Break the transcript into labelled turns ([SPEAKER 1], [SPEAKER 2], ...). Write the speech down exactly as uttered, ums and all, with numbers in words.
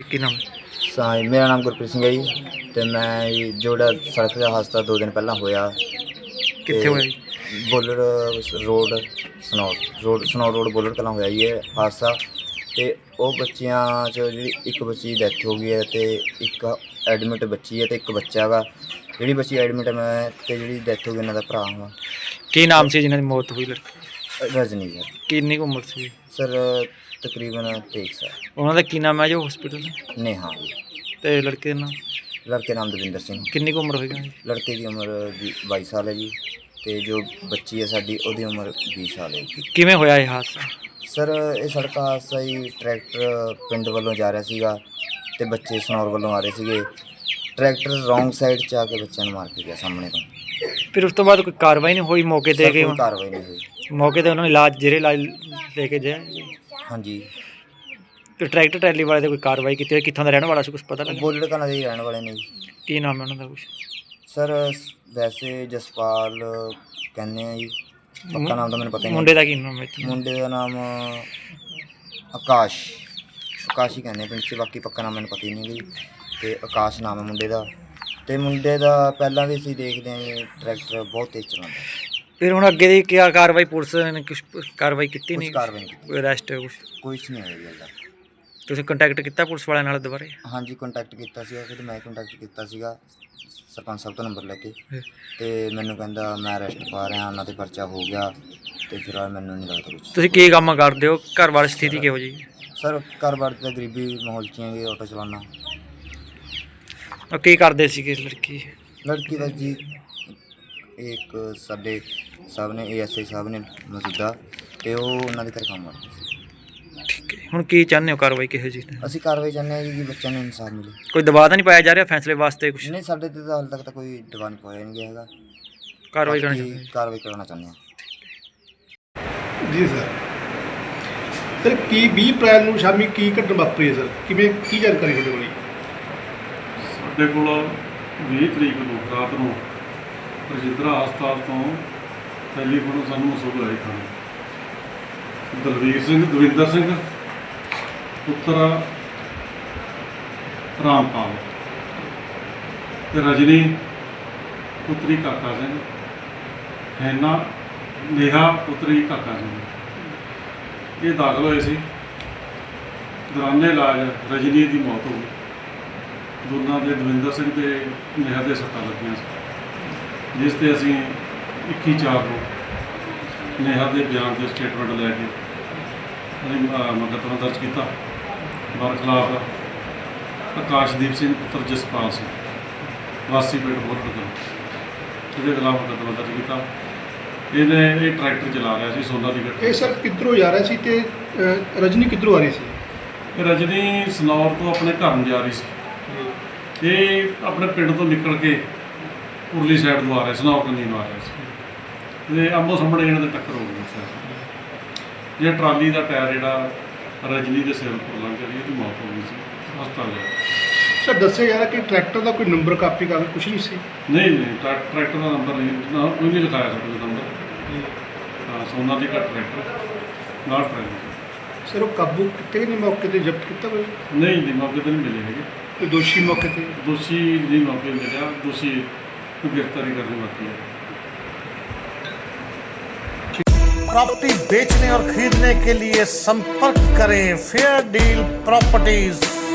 [SPEAKER 1] ਕੀ ਨਾਮ ਹੈ?
[SPEAKER 2] ਸਾ ਮੇਰਾ ਨਾਮ ਗੁਰਪ੍ਰੀਤ ਸਿੰਘ ਹੈ ਜੀ ਅਤੇ ਮੈਂ ਜੀ ਜਿਹੜਾ ਸੜਕ ਦਾ ਹਾਦਸਾ ਦੋ ਦਿਨ ਪਹਿਲਾਂ ਹੋਇਆ
[SPEAKER 1] ਕਿੱਥੇ ਹੋਇਆ ਜੀ?
[SPEAKER 2] Bullar road Sanour road Sanour road Bullar Kalan ਹੋਇਆ ਜੀ ਇਹ ਹਾਦਸਾ। ਅਤੇ ਉਹ ਬੱਚਿਆਂ 'ਚ ਜਿਹੜੀ ਇੱਕ ਬੱਚੀ ਦੀ ਡੈਥ ਹੋ ਗਈ ਹੈ ਅਤੇ ਇੱਕ ਐਡਮਿਟ ਬੱਚੀ ਹੈ ਅਤੇ ਇੱਕ ਬੱਚਾ ਹੈਗਾ। ਜਿਹੜੀ ਬੱਚੀ ਐਡਮਿਟ ਹੈ ਮੈਂ ਅਤੇ ਜਿਹੜੀ ਡੈਥ ਹੋ ਗਈ ਇਹਨਾਂ ਦਾ ਭਰਾ ਹਾਂ।
[SPEAKER 1] ਕੀ ਨਾਮ ਸੀ ਜਿਨ੍ਹਾਂ ਦੀ ਮੌਤ ਹੋਈ ਲੜਕੀ?
[SPEAKER 2] ਰਜਨੀ ਸਰ।
[SPEAKER 1] ਕਿੰਨੀ ਕੁ ਉਮਰ ਸੀ?
[SPEAKER 2] ਸਰ ਤਕਰੀਬਨ ਤੇਈ ਸਾਲ।
[SPEAKER 1] ਉਹਨਾਂ ਦਾ ਕੀ ਨਾਮ ਹੈ ਜੋ ਹਸਪੀਟਲ ਦਾ?
[SPEAKER 2] ਨੇਹਾ ਜੀ।
[SPEAKER 1] ਤੇ ਲੜਕੇ ਦਾ ਨਾਮ?
[SPEAKER 2] ਲੜਕੇ ਨਾਮ ਦਵਿੰਦਰ ਸਿੰਘ।
[SPEAKER 1] ਕਿੰਨੀ ਕੁ ਉਮਰ ਹੋਏਗਾ?
[SPEAKER 2] ਲੜਕੇ ਦੀ ਉਮਰ ਵੀ ਬਾਈ ਸਾਲ ਹੈ ਜੀ ਅਤੇ ਜੋ ਬੱਚੀ ਹੈ ਸਾਡੀ ਉਹਦੀ ਉਮਰ ਵੀਹ ਸਾਲ ਹੈ ਜੀ।
[SPEAKER 1] ਕਿਵੇਂ ਹੋਇਆ ਇਹ ਹਾਦਸਾ?
[SPEAKER 2] ਸਰ ਇਹ ਸੜਕ ਹਾਦਸਾ ਜੀ ਟਰੈਕਟਰ ਪਿੰਡ ਵੱਲੋਂ ਜਾ ਰਿਹਾ ਸੀਗਾ ਅਤੇ ਬੱਚੇ ਸਨੌਰ ਵੱਲੋਂ ਆ ਰਹੇ ਸੀਗੇ। ਟਰੈਕਟਰ ਰੌਂਗ ਸਾਈਡ 'ਚ ਆ ਕੇ ਬੱਚਿਆਂ ਨੂੰ ਮਾਰ ਕੇ ਗਿਆ ਸਾਹਮਣੇ ਤੋਂ।
[SPEAKER 1] ਫਿਰ ਉਸ ਤੋਂ ਬਾਅਦ ਕੋਈ ਕਾਰਵਾਈ ਨਹੀਂ ਹੋਈ ਮੌਕੇ ਤੇ?
[SPEAKER 2] ਸਰ
[SPEAKER 1] ਕਿ
[SPEAKER 2] ਕੋਈ ਕਾਰਵਾਈ ਨਹੀਂ ਹੋਈ।
[SPEAKER 1] ਮੌਕੇ ਤੇ ਉਹਨਾਂ ਨੂੰ ਇਲਾਜ ਜਿਹੜੇ ਇਲਾਜ ਲੈ ਕੇ ਜਾਏ?
[SPEAKER 2] ਹਾਂਜੀ।
[SPEAKER 1] ਤੇ ਟਰੈਕਟਰ ਟਰੈਲੀ ਵਾਲੇ ਤੇ ਕੋਈ ਕਾਰਵਾਈ ਕੀਤੀ ਹੋਈ? ਕਿੱਥੋਂ ਦਾ ਰਹਿਣ ਵਾਲਾ ਸੀ, ਕੁਛ ਪਤਾ ਲੱਗਾ?
[SPEAKER 2] ਬੁੱਲਰ ਕਲਾਂ ਦੇ ਹੀ ਰਹਿਣ ਵਾਲੇ ਨੇ ਜੀ।
[SPEAKER 1] ਕੀ ਨਾਮ ਹੈ ਉਹਨਾਂ ਦਾ ਕੁਛ?
[SPEAKER 2] ਸਰ ਵੈਸੇ ਜਸਪਾਲ ਕਹਿੰਦੇ ਆ ਜੀ, ਪੱਕਾ ਨਾਮ ਤਾਂ ਮੈਨੂੰ ਪਤਾ ਹੀ ਨਹੀਂ।
[SPEAKER 1] ਮੁੰਡੇ ਦਾ ਕੀ ਨਾਮ ਹੈ?
[SPEAKER 2] ਮੁੰਡੇ ਦਾ ਨਾਮ ਆਕਾਸ਼ ਆਕਾਸ਼ ਹੀ ਕਹਿੰਦੇ ਆ ਪਿੰਡ 'ਚ, ਬਾਕੀ ਪੱਕਾ ਨਾਮ ਮੈਨੂੰ ਪਤਾ ਹੀ ਨਹੀਂ ਜੀ। ਅਤੇ ਆਕਾਸ਼ ਨਾਮ ਹੈ ਮੁੰਡੇ ਦਾ। ਅਤੇ ਮੁੰਡੇ ਦਾ ਪਹਿਲਾਂ ਵੀ ਅਸੀਂ ਦੇਖਦੇ ਹਾਂ ਜੀ ਟਰੈਕਟਰ ਬਹੁਤ ਤੇਜ਼ ਚਲਾਉਂਦਾ।
[SPEAKER 1] ਫਿਰ ਹੁਣ ਅੱਗੇ ਦੀ ਕੀ ਕਾਰਵਾਈ? ਪੁਲਿਸ ਨੇ ਕੁਛ ਕਾਰਵਾਈ ਕੀਤੀ
[SPEAKER 2] ਕੁਛ
[SPEAKER 1] ਨਹੀਂ?
[SPEAKER 2] ਕਾਰਵਾਈ ਨਹੀਂ ਕੀਤੀ,
[SPEAKER 1] ਕੋਈ ਅਰੈਸਟ ਕੁਛ?
[SPEAKER 2] ਕੁਛ ਨਹੀਂ ਹੋਇਆ ਜੀ ਹਾਲੇ।
[SPEAKER 1] ਤੁਸੀਂ ਕੰਟੈਕਟ ਕੀਤਾ ਪੁਲਿਸ ਵਾਲਿਆਂ ਨਾਲ ਦੁਬਾਰੇ?
[SPEAKER 2] ਹਾਂਜੀ ਕੰਟੈਕਟ ਕੀਤਾ ਸੀਗਾ, ਫਿਰ ਮੈਂ ਕੰਟੈਕਟ ਕੀਤਾ ਸੀਗਾ ਸਰਪੰਚ ਸਾਹਿਬ ਤੋਂ ਨੰਬਰ ਲੈ ਕੇ। ਅਤੇ ਮੈਨੂੰ ਕਹਿੰਦਾ ਮੈਂ ਅਰੈਸਟ ਪਾ ਰਿਹਾ, ਉਹਨਾਂ 'ਤੇ ਪਰਚਾ ਹੋ ਗਿਆ ਅਤੇ ਫਿਰ ਮੈਨੂੰ ਨਹੀਂ ਲੱਗਦਾ ਕੁਛ।
[SPEAKER 1] ਤੁਸੀਂ ਕੀ ਕੰਮ ਕਰਦੇ ਹੋ? ਘਰ ਬਾਰ ਸਥਿਤੀ ਕਿਹੋ ਜਿਹੀ?
[SPEAKER 2] ਸਰ ਘਰ ਬਾਰ ਤਾਂ ਗਰੀਬੀ ਮਾਹੌਲ 'ਚ ਹੈਗੇ, ਆਟੋ ਚਲਾਉਣਾ।
[SPEAKER 1] ਉਹ ਕੀ ਕਰਦੇ ਸੀਗੇ ਲੜਕੀ?
[SPEAKER 2] ਲੜਕੀ ਦਾ ਜੀ ਇੱਕ ਸਾਡੇ ਸਾਹਿਬ ਨੇ ਏ ਐਸ ਆਈ ਸਾਹਿਬ ਨੇ ਮੌਜੂਦਾ, ਅਤੇ ਉਹ ਉਹਨਾਂ ਦੇ ਘਰ ਕੰਮ ਕਰਦੇ ਸੀ।
[SPEAKER 1] ਠੀਕ ਹੈ, ਹੁਣ ਕੀ ਚਾਹੁੰਦੇ ਹੋ? ਕਾਰਵਾਈ ਕਿਹੋ ਜਿਹੀ?
[SPEAKER 2] ਅਸੀਂ ਕਾਰਵਾਈ ਚਾਹੁੰਦੇ ਹਾਂ ਜੀ ਕਿ ਬੱਚਿਆਂ ਨੂੰ ਇਨਸਾਫ ਮਿਲੇ।
[SPEAKER 1] ਕੋਈ ਦਬਾਅ ਤਾਂ ਨਹੀਂ ਪਾਇਆ ਜਾ ਰਿਹਾ ਫੈਸਲੇ ਵਾਸਤੇ ਕੁਛ?
[SPEAKER 2] ਨਹੀਂ ਸਾਡੇ 'ਤੇ ਤਾਂ ਹਾਲੇ ਤੱਕ ਤਾਂ ਕੋਈ ਦਬਾਅ ਨਹੀਂ ਪਾਇਆ ਨਹੀਂ ਗਿਆ ਹੈਗਾ।
[SPEAKER 1] ਕਾਰਵਾਈ ਕਰਨੀ
[SPEAKER 2] ਬਾਕੀ
[SPEAKER 1] ਚਾਹੁੰਦੇ?
[SPEAKER 2] ਕਾਰਵਾਈ ਕਰਨਾ ਚਾਹੁੰਦੇ ਹਾਂ
[SPEAKER 3] ਜੀ ਸਰ। ਸਰ ਕੀ ਵੀਹ ਅਪ੍ਰੈਲ ਨੂੰ ਸ਼ਾਮੀ ਕੀ ਘਟਨਾ ਵਾਪਰੀ ਹੈ ਸਰ? ਕਿਵੇਂ ਕੀ ਜਾਣਕਾਰੀ ਤੁਹਾਡੇ ਕੋਲ?
[SPEAKER 4] ਸਾਡੇ ਕੋਲ ਵੀਹ ਤਰੀਕ ਨੂੰ ਰਾਤ ਨੂੰ ਰਜਿੰਦਰਾ ਹਸਪਤਾਲ ਤੋਂ ਟੈਲੀਫੋਨ ਸਾਨੂੰ ਮਸੂਲ ਆਈ ਥਾਣੇ ਦਲਵੀਰ ਸਿੰਘ ਦਵਿੰਦਰ ਸਿੰਘ ਪੁੱਤਰ ਰਾਮਪਾਲ ਅਤੇ ਰਜਨੀ ਪੁੱਤਰੀ ਕਾਕਾ ਸਿੰਘ, ਹੈਨਾ ਨੇਹਾ ਪੁੱਤਰੀ ਕਾਕਾ ਸਿੰਘ। ਇਹ ਦਾਖਲ ਹੋਏ ਸੀ। ਦੌਰਾਨੇ ਇਲਾਜ ਰਜਨੀ ਦੀ ਮੌਤ ਹੋ ਗਈ। ਦੋਨਾਂ ਦੇ ਦਵਿੰਦਰ ਸਿੰਘ ਅਤੇ ਨੇਹਾ ਦੇ ਸੱਟਾਂ ਲੱਗੀਆਂ ਸੀ, ਜਿਸ 'ਤੇ ਅਸੀਂ ਇੱਕੀ ਚਾਰ ਨੂੰ ਨੇਹਾ ਦੇ ਬਿਆਨ ਦੇ ਸਟੇਟਮੈਂਟ ਲੈ ਕੇ ਅਸੀਂ ਮੁਕੱਦਮਾ ਦਰਜ ਕੀਤਾ। ਬਰਖਲਾਫ ਆਕਾਸ਼ਦੀਪ ਸਿੰਘ ਪੁੱਤਰ ਜਸਪਾਲ ਸਿੰਘ ਵਾਸੀ ਪਿੰਡ ਬੋਰਗੜ, ਇਹਦੇ ਖਿਲਾਫ ਮੁਕੱਦਮਾ ਦਰਜ ਕੀਤਾ। ਇਹਨੇ ਇਹ ਟਰੈਕਟਰ ਚਲਾ ਰਿਹਾ ਸੀ ਸੋਨਾ ਦੀ ਗੱਡੀ।
[SPEAKER 3] ਇਹ ਸਰ ਕਿੱਧਰੋਂ ਜਾ ਰਿਹਾ ਸੀ ਅਤੇ ਰਜਨੀ ਕਿੱਧਰੋਂ ਆ ਰਹੀ ਸੀ?
[SPEAKER 4] ਇਹ ਰਜਨੀ ਸਨੌਰ ਤੋਂ ਆਪਣੇ ਘਰ ਨੂੰ ਜਾ ਰਹੀ ਸੀ। ਇਹ ਆਪਣੇ ਪਿੰਡ ਤੋਂ ਨਿਕਲ ਕੇ ਉਰਲੀ ਸਾਈਡ ਨੂੰ ਆ ਰਿਹਾ, ਸਨੌਰ ਕੰਨੀ ਨੂੰ ਆ ਰਿਹਾ ਸੀ ਅਤੇ ਆਮੋ ਸਾਹਮਣੇ ਇਹਨਾਂ ਦੇ ਟੱਕਰ ਹੋ ਗਈ ਸੀ। ਜਿਹੜਾ ਟਰਾਲੀ ਦਾ ਟਾਇਰ ਜਿਹੜਾ ਰਜਨੀ ਦੇ ਸਿਰ ਉੱਪਰ ਲੰਘ ਗਿਆ, ਇਹਦੀ ਮੌਤ ਹੋ ਗਈ ਸੀ ਹਸਪਤਾਲ ਜਾ ਕੇ।
[SPEAKER 3] ਸਰ ਦੱਸਿਆ ਜਾ ਰਿਹਾ ਕਿ ਟਰੈਕਟਰ ਦਾ ਕੋਈ ਨੰਬਰ ਕਾਪੀ ਕਾਗਜ਼ ਕੁਛ ਨਹੀਂ ਸੀ?
[SPEAKER 4] ਨਹੀਂ ਨਹੀਂ ਟਰੈ- ਟਰੈਕਟਰ ਦਾ ਨੰਬਰ ਨਹੀਂ ਨਾ ਕੋਈ ਨਹੀਂ ਲਿਖਾਇਆ ਸਾਡੇ ਕੋਲ ਨੰਬਰ। ਹਾਂ ਸੋਨਾ ਦੀ ਘੱਟ ਟਰੈਕਟਰ ਨਾਲ ਟਰੈਕਟਰ।
[SPEAKER 3] ਸਰ ਉਹ ਕਾਬੂ ਕੀਤੇ ਨਹੀਂ, ਮੌਕੇ 'ਤੇ ਜ਼ਬਤ ਕੀਤਾ ਕੋਈ?
[SPEAKER 4] ਨਹੀਂ ਨਹੀਂ ਮੌਕੇ 'ਤੇ ਨਹੀਂ ਮਿਲੇ ਹੈਗੇ।
[SPEAKER 3] ਕੋਈ ਦੋਸ਼ੀ ਮੌਕੇ 'ਤੇ?
[SPEAKER 4] ਦੋਸ਼ੀ ਨਹੀਂ ਮੌਕੇ 'ਤੇ ਮਿਲਿਆ, ਦੋਸ਼ੀ ਨੂੰ ਗ੍ਰਿਫਤਾਰੀ करनी बाकी है।
[SPEAKER 5] प्रॉपर्टी बेचने और खरीदने के लिए संपर्क करें फेयर डील प्रॉपर्टीज।